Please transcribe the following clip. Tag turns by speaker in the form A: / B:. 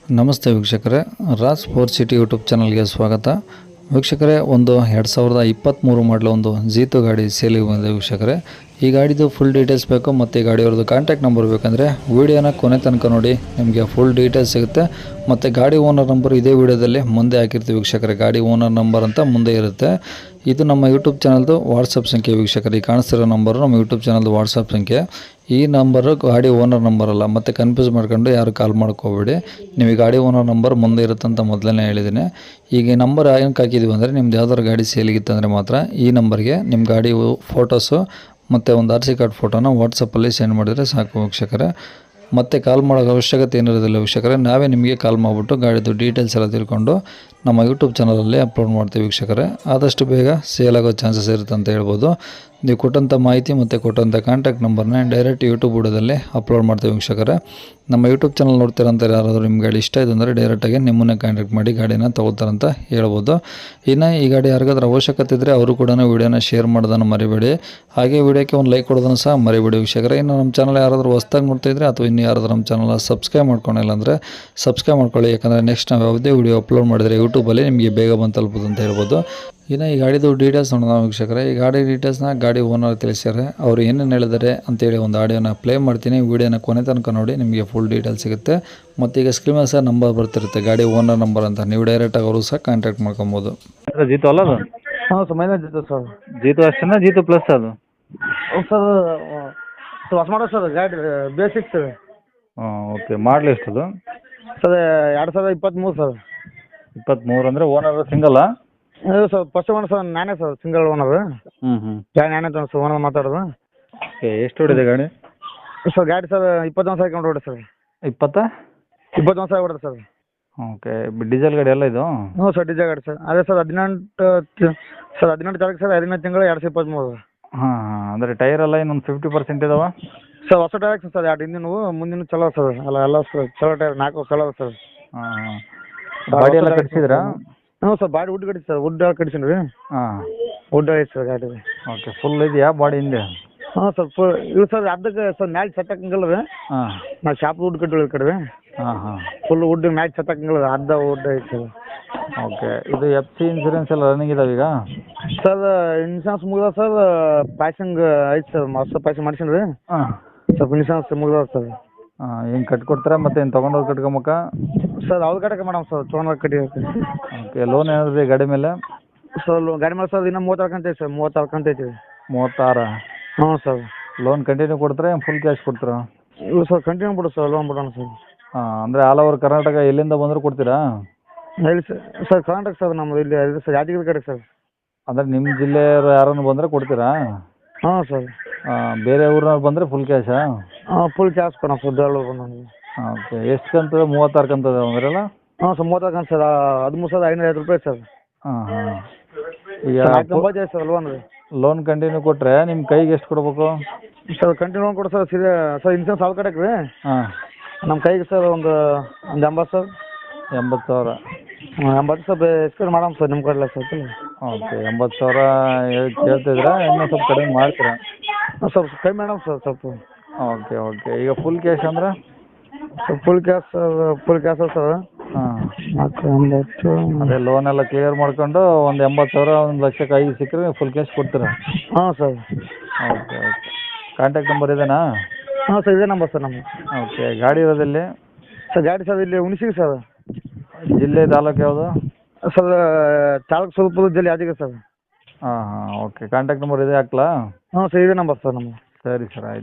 A: ನಮಸ್ತೆ ವೀಕ್ಷಕರೇ, Raj four city YouTube ಚಾನಲ್ಗೆ ಸ್ವಾಗತ. ವೀಕ್ಷಕರೇ, ಒಂದು 2023 ಮಾಡಲು ಒಂದು ಜೀತು ಗಾಡಿ ಸೇಲಿಗೆ ಬಂದಿದೆ ವೀಕ್ಷಕರೇ. ಈ ಗಾಡಿದು ಫುಲ್ ಡೀಟೇಲ್ಸ್ ಬೇಕು ಮತ್ತು ಈ ಗಾಡಿಯವ್ರದ್ದು ಕಾಂಟ್ಯಾಕ್ಟ್ ನಂಬರ್ ಬೇಕಂದರೆ ವೀಡಿಯೋನ ಕೊನೆ ತನಕ ನೋಡಿ, ನಿಮಗೆ ಫುಲ್ ಡೀಟೇಲ್ಸ್ ಸಿಗುತ್ತೆ. ಮತ್ತು ಗಾಡಿ ಓನರ್ ನಂಬರ್ ಇದೇ ವಿಡಿಯೋದಲ್ಲಿ ಮುಂದೆ ಹಾಕಿರ್ತೀವಿ ವೀಕ್ಷಕರೇ. ಗಾಡಿ ಓನರ್ ನಂಬರ್ ಅಂತ ಮುಂದೆ ಇರುತ್ತೆ. ಇದು ನಮ್ಮ ಯೂಟ್ಯೂಬ್ ಚಾನಲ್ದು ವಾಟ್ಸಪ್ ಸಂಖ್ಯೆ ವೀಕ್ಷಕರೇ. ಈ ಕಾಣಿಸ್ತಿರೋ ನಂಬರು ನಮ್ಮ ಯೂಟ್ಯೂಬ್ ಚಾನಲ್ದು ವಾಟ್ಸಪ್ ಸಂಖ್ಯೆ. ಈ ನಂಬರು ಗಾಡಿ ಓನರ್ ನಂಬರ್ ಅಲ್ಲ, ಮತ್ತು ಕನ್ಫ್ಯೂಸ್ ಮಾಡ್ಕೊಂಡು ಯಾರು ಕಾಲ್ ಮಾಡ್ಕೋಬೇಡಿ. ನೀವು ಈ ಗಾಡಿ ಓನರ್ ನಂಬರ್ ಮುಂದೆ ಇರುತ್ತಂತ ಮೊದಲೇ ಹೇಳಿದ್ದೀನಿ. ಈಗ ಈ ನಂಬರ್ ಏನಕ್ಕೆ ಹಾಕಿದ್ದೀವಿ ಅಂದರೆ, ನಿಮ್ದು ಯಾವ್ದಾದ್ರು ಗಾಡಿ ಸೇಲಿಗಿತ್ತಂದರೆ ಮಾತ್ರ ಈ ನಂಬರ್ಗೆ ನಿಮ್ಮ ಗಾಡಿ ಫೋಟೋಸು ಮತ್ತು ಒಂದು RC ಕಾರ್ಡ್ ಫೋಟೋನ ವಾಟ್ಸಪ್ಪಲ್ಲಿ ಸೆಂಡ್ ಮಾಡಿದರೆ ಸಾಕು ವೀಕ್ಷಕರೇ. ಮತ್ತೆ ಕಾಲ್ ಮಾಡೋ ಅವಶ್ಯಕತೆ ಏನಿರೋದಿಲ್ಲ ವೀಕ್ಷಕರೇ. ನಾವೇ ನಿಮಗೆ ಕಾಲ್ ಮಾಡಿಬಿಟ್ಟು ಗಾಡಿದು ಡೀಟೇಲ್ಸ್ ಎಲ್ಲ ತಿಳ್ಕೊಂಡು ನಮ್ಮ ಯೂಟ್ಯೂಬ್ ಚಾನಲಲ್ಲಿ ಅಪ್ಲೋಡ್ ಮಾಡ್ತೀವಿ ವೀಕ್ಷಕರೇ. ಆದಷ್ಟು ಬೇಗ ಸೇಲ್ ಆಗೋ ಚಾನ್ಸಸ್ ಇರುತ್ತೆ ಅಂತ ಹೇಳ್ಬೋದು. ನೀವು ಕೊಟ್ಟಂಥ ಮಾಹಿತಿ ಮತ್ತು ಕೊಟ್ಟಂಥ ಕಾಂಟ್ಯಾಕ್ಟ್ ನಂಬರ್ನ ಡೈರೆಕ್ಟ್ ಯೂಟ್ಯೂಬ್ ವಿಡಿಯೋದಲ್ಲಿ ಅಪ್ಲೋಡ್ ಮಾಡ್ತೀವಿ ವೀಕ್ಷಕರೇ. ನಮ್ಮ ಯೂಟ್ಯೂಬ್ ಚಾನಲ್ ನೋಡ್ತೀರಂತ ಯಾರಾದರೂ ನಿಮ್ಮ ಗಾಡಿ ಇಷ್ಟ ಇದೆ ಅಂದರೆ ಡೈರೆಕ್ಟಾಗಿ ನಿಮ್ಮನ್ನೇ ಕಾಂಟ್ಯಾಕ್ಟ್ ಮಾಡಿ ಗಾಡಿನ ತೊಗೊಳ್ತಾರಂತ ಹೇಳ್ಬೋದು. ಇನ್ನು ಈ ಗಾಡಿ ಯಾರಿಗಾದ್ರೂ ಅವಶ್ಯಕತೆ ಇದ್ದರೆ ಅವರು ಕೂಡ ವೀಡಿಯೋನ ಶೇರ್ ಮಾಡೋದನ್ನು ಮರಿಬೇಡಿ. ಹಾಗೆ ವೀಡಿಯೋಕ್ಕೆ ಒಂದು ಲೈಕ್ ಕೊಡೋದನ್ನು ಸಹ ಮರಿಬೇಡಿ ವೀಕ್ಷಕರೇ. ಇನ್ನು ನಮ್ಮ ಚಾನಲ್ ಯಾರಾದರೂ ಹೊಸ್ದಾಗಿ ನೋಡ್ತಾ ಇದ್ದರೆ ಅಥವಾ ಇನ್ನು ಯಾರಾದರೂ ನಮ್ಮ ಚಾನಲ್ನ ಸಬ್ಸ್ಕ್ರೈಬ್ ಮಾಡ್ಕೊಂಡಿಲ್ಲ ಅಂದರೆ ಸಬ್ಸ್ಕ್ರೈಬ್ ಮಾಡ್ಕೊಳ್ಳಿ. ಯಾಕಂದರೆ ನೆಕ್ಸ್ಟ್ ನಾವು ಯಾವುದೇ ವೀಡಿಯೋ ಅಪ್ಲೋಡ್ ಮಾಡಿದರೆ ಯೂಟ್ಯೂಬಲ್ಲಿ ನಿಮಗೆ ಬೇಗ ಬಂದು ತಲುಪೋದು ಅಂತ ಹೇಳ್ಬೋದು. ಇನ್ನು ಈ ಗಾಡಿದು ಡೀಟೇಲ್ಸ್ ನೋಡೋಣ ವೀಕ್ಷಕರೇ. ಈ ಗಾಡಿ ಡೀಟೇಲ್ಸ್ನ ಗಾಡಿ ಓನರ್ ತಿಳಿಸ್ಯಾರೆ. ಅವರು ಏನೇನು ಹೇಳಿದ್ದಾರೆ ಅಂತೇಳಿ ಒಂದು ಆಡಿಯೋನ ಪ್ಲೇ ಮಾಡ್ತೀನಿ. ವೀಡಿಯೋನ ಕೊನೆ ತನಕ ನೋಡಿ, ನಿಮಗೆ ಫುಲ್ ಡೀಟೇಲ್ಸ್ ಸಿಗುತ್ತೆ. ಮತ್ತು ಈಗ ಸ್ಕ್ರೀನ್ ಮೇಲೆ ಸಹ ನಂಬರ್ ಬರ್ತಿರುತ್ತೆ, ಗಾಡಿ ಓನರ್ ನಂಬರ್ ಅಂತ. ನೀವು ಡೈರೆಕ್ಟಾಗಿ ಅವರು ಸಹ ಕಾಂಟ್ಯಾಕ್ಟ್ ಮಾಡ್ಕೊಬೋದು.
B: ಜೀತು ಅಲ್ಲ ಅದು?
C: ಹಾಂ sir, mileage Jeeto sir.
B: Jeeto ಅಷ್ಟೇನಾ, ಜೀತು ಪ್ಲಸ್ ಅದು?
C: ಸರ್ ಹೊಸ ಮಾಡಲ್ ಸರ್, ಗಾಡಿ ಬೇಸಿಕ್ ಸರ್.
B: ಹಾಂ, ಓಕೆ. ಮಾಡಲ್ ಎಷ್ಟದು?
C: Sir 2023 sir.
B: 23 ಅಂದರೆ ಓನರ್ ಸಿಂಗಲ್ಲಾ?
C: ಇದು ಸರ್ ಫಸ್ಟ್ ಓನರ್ ಸರ್, ನಾನೇ ಸರ್ ಸಿಂಗಲ್ ಓನರ್. ನಾನೇ ಸರ್ ಓನರ್ ಮಾತಾಡೋದು.
B: ಓಕೆ. ಎಷ್ಟು ಹೊಡಿದೆ ಗಾಡಿ?
C: ಸರ್ ಗಾಡಿ ಸರ್ 21 ಸಾವಿರ ಕಿಲೋಮೀಟರ್ ಹೊಡೆ ಸರ್. 21 ಸಾವಿರ ಹೊಡೆದು ಸರ್.
B: ಓಕೆ. ಡೀಸೆಲ್ ಗಾಡಿ ಎಲ್ಲ ಇದು?
C: ಹ್ಞೂ ಸರ್, ಡೀಸೆಲ್ ಗಾಡಿ ಸರ್. ಅದೇ ಸರ್ 18 ತಾರೀಕು ಸರ್, 15 ತಿಂಗಳು 2023.
B: ಹಾಂ ಹಾಂ. ಅಂದರೆ ಟೈರ್ ಎಲ್ಲ ಇನ್ನೊಂದು 50% ಇದಾವ?
C: ಸರ್ ಹೊಸ ಟೈರ್ ಸರ್, 2 ಹಿಂದಿನವು ಮುಂದಿನ ಚಲೋ ಸರ್. ಎಲ್ಲ ಸರ್ ಚಲೋ ಟೈರ್, 4 ಚಲೋ ಸರ್.
B: ಹಾಂ ಹಾಂ. ಗಾಡಿ ಎಲ್ಲ ಕಟ್ಸಿದ್ರಾ?
C: ಹ್ಞೂ ಸರ್, ಬಾಡಿ ವುಡ್ ಕಟ್ಟಿ ಸರ್. ವುಡ್ ಕಟ್ಸೀನಿ ರೀ.
B: ಹಾಂ,
C: ವುಡ್ ಐತೆ ಸರ್ ಗಾಡಿ.
B: ಓಕೆ. ಫುಲ್ ಇದೆಯಾ ಬಾಡಿ ಹಿಂದೆ?
C: ಹಾಂ ಸರ್, ಫುಲ್ ಇದು ಸರ್. ಅದಕ್ಕೆ ಸರ್ ಮ್ಯಾಚ್ ಸತ್ತಕ್ಕಂಗಲ್ಲ ರೀ.
B: ಹಾಂ.
C: ನಾವು ಶಾಪ್ ವುಡ್ ಕಟ್ಟಿವಿ ಈ ಕಡೆ.
B: ಹಾಂ ಹಾಂ.
C: ಫುಲ್ ವುಡ್ ಮ್ಯಾಚ್ ಸತ್ತಕ್ಕಂಗಲ್ಲ, ಅರ್ಧ ವುಡ್ ಐತೆ ಸರ್.
B: ಓಕೆ. ಇದು FC ಇನ್ಸೂರೆನ್ಸ್ ಎಲ್ಲ ರನ್ನಿಂಗ್ ಇದಾವೆ ಈಗ?
C: ಸರ್ ಇನ್ಶೂರೆನ್ಸ್ ಮುಗ್ದ ಸರ್. ಪಾಸಿಂಗ್ ಐತೆ ಸರ್, ಹೊಸ ಪಾಸಿಂಗ್ ಮಾಡ್ಸೀನಿ ರೀ.
B: ಹಾಂ.
C: ಸ್ವಲ್ಪ ಇನ್ಶೂರೆನ್ಸ್ ಮುಗ್ದ ಸರ್.
B: ಹಾಂ. ಏನು ಕಟ್ಕೊಡ್ತೀರಾ ಮತ್ತೆ ಏನು ತೊಗೊಂಡೋಗಿ ಕಟ್ಕೊಬೇಕಾ?
C: ಸರ್ ಅವ್ರ ಕಡೆಗೆ ಮೇಡಮ್ ಸರ್, ತೊಗೊಂಡೋಗಿ ಕಟ್ಟಿ.
B: ಓಕೆ. ಲೋನ್ ಏನಾದ್ರು ಗಾಡಿ ಮೇಲೆ?
C: ಸರ್ ಗಾಡಿ ಮೇಲೆ ಸರ್ ಇನ್ನೂ 36 ಕಂತೈತೆ ಸರ್. 36 ಕಂತೈತಿ.
B: 36?
C: ಹ್ಞೂ ಸರ್.
B: ಲೋನ್ ಕಂಟಿನ್ಯೂ ಕೊಡ್ತೀರಾ, ಫುಲ್ ಕ್ಯಾಶ್ ಕೊಡ್ತೀರಾ?
C: ಇಲ್ಲ ಸರ್, ಕಂಟಿನ್ಯೂ ಬಿಡು ಸರ್, ಲೋನ್ ಬಿಡೋಣ ಸರ್.
B: ಹಾಂ. ಅಂದರೆ ಆಲ್ ಓವರ್ ಕರ್ನಾಟಕ ಎಲ್ಲಿಂದ ಬಂದರೂ ಕೊಡ್ತೀರಾ?
C: ಹೇಳಿ ಸರ್. ಸರ್ ಕರ್ನಾಟಕ ಸರ್, ನಮ್ಮದು ಇಲ್ಲಿ ಇದು ಸರ್ ಯಾದಗಿರಿ ಕಡೆ ಸರ್.
B: ಅಂದರೆ ನಿಮ್ಮ ಜಿಲ್ಲೆಯವರು ಯಾರನ್ನು ಬಂದರೆ ಕೊಡ್ತೀರಾ?
C: ಹಾಂ ಸರ್.
B: ಬೇರೆ ಊರಿನವ್ರು ಬಂದರೆ ಫುಲ್ ಕ್ಯಾಶಾ?
C: ಹಾಂ, ಫುಲ್ ಕ್ಯಾಶ್ ಕೊಡೋಣ ಸರ್. ದೇವಳು ಬಂದು.
B: ಓಕೆ. ಎಷ್ಟು ಕಂತದ? 36 ಕಂತದ ಅಂದ್ರಲ್ಲ?
C: ಹಾಂ ಸರ್, 36 ಕಂತು ಸರ್. 13,550 ರೂಪಾಯಿ ಸರ್.
B: ಹಾಂ ಹಾಂ. ಈಗ
C: 490 ಸರ್ ಲೋನ್ ರೀ.
B: ಲೋನ್ ಕಂಟಿನ್ಯೂ ಕೊಟ್ಟರೆ ನಿಮ್ಮ ಕೈಗೆ ಎಷ್ಟು ಕೊಡಬೇಕು?
C: ಸರ್ ಕಂಟಿನ್ಯೂ ಲೋನ್ ಕೊಡು ಸರ್. ಸೀದಾ ಸರ್ ಇನ್ಶೂರೆನ್ಸ್ ಅವ್ರ ಕಡೆಗೆ ರೀ.
B: ಹಾಂ.
C: ನಮ್ಮ ಕೈಗೆ ಸರ್ ಒಂದು 80 ಸರ್.
B: 80,000?
C: ಹಾಂ, 80 ಸರ್ ಎಕ್ಸ್ಪೇರ್ ಮಾಡಮ್ ಸರ್ ನಿಮ್ಮ ಕಡೆ ಸರ್.
B: ಓಕೆ. 80,000 ಕೇಳ್ತಿದ್ರಾ? ಇನ್ನೂ ಸ್ವಲ್ಪ ಕಡಿಮೆ ಮಾಡ್ತೀರಾ?
C: ಸ್ವಲ್ಪ ಕಡಿಮೆ ಮಾಡಮ್ ಸರ್ ಸ್ವಲ್ಪ.
B: Okay okay. ಈಗ ಫುಲ್ ಕ್ಯಾಶ್ ಅಂದ್ರೆ?
C: Full cash sir. Full cash sir.
B: ಹಾಂ.
C: 480.
B: ಅದೇ ಲೋನ್ ಎಲ್ಲ ಕ್ಲಿಯರ್ ಮಾಡ್ಕೊಂಡು ಒಂದು 80,000 1 ಲಕ್ಷಕ್ಕೆ 5 ಸಿಕ್ಕರೆ ಫುಲ್ ಕ್ಯಾಶ್ ಕೊಡ್ತೀರಾ?
C: ಹಾಂ sir.
B: Okay okay. Contact number ಇದೇನಾ?
C: ಹಾಂ ಸರ್, ಇದೇ ನಂಬರ್ ಸರ್ ನಮ್ಮದು.
B: ಓಕೆ. ಗಾಡಿ ಇರೋದಲ್ಲಿ?
C: ಸರ್ ಗಾಡಿ ಸರ್ ಇಲ್ಲಿ ಹುಣಸಿಗೆ ಸರ್.
B: ಜಿಲ್ಲೆ ತಾಲೂಕು ಯಾವುದು?
C: ಸರ್ ತಾಲೂಕು ಸ್ವಲ್ಪ ಜಿಲ್ಲೆ ಯಾದಗಿರಿ ಸರ್.
B: ಹಾಂ ಹಾಂ. ಓಕೆ. ಕಾಂಟ್ಯಾಕ್ಟ್ ನಂಬರ್ ಇದೆ ಹಾಕ್ಲಾ?
C: ಹಾಂ ಸರ್, ಇದೇ ನಂಬರ್ ಸರ್ ನಮ್ಮದು.
B: ಸರಿ ಸರ್, ಆಯ್ತು.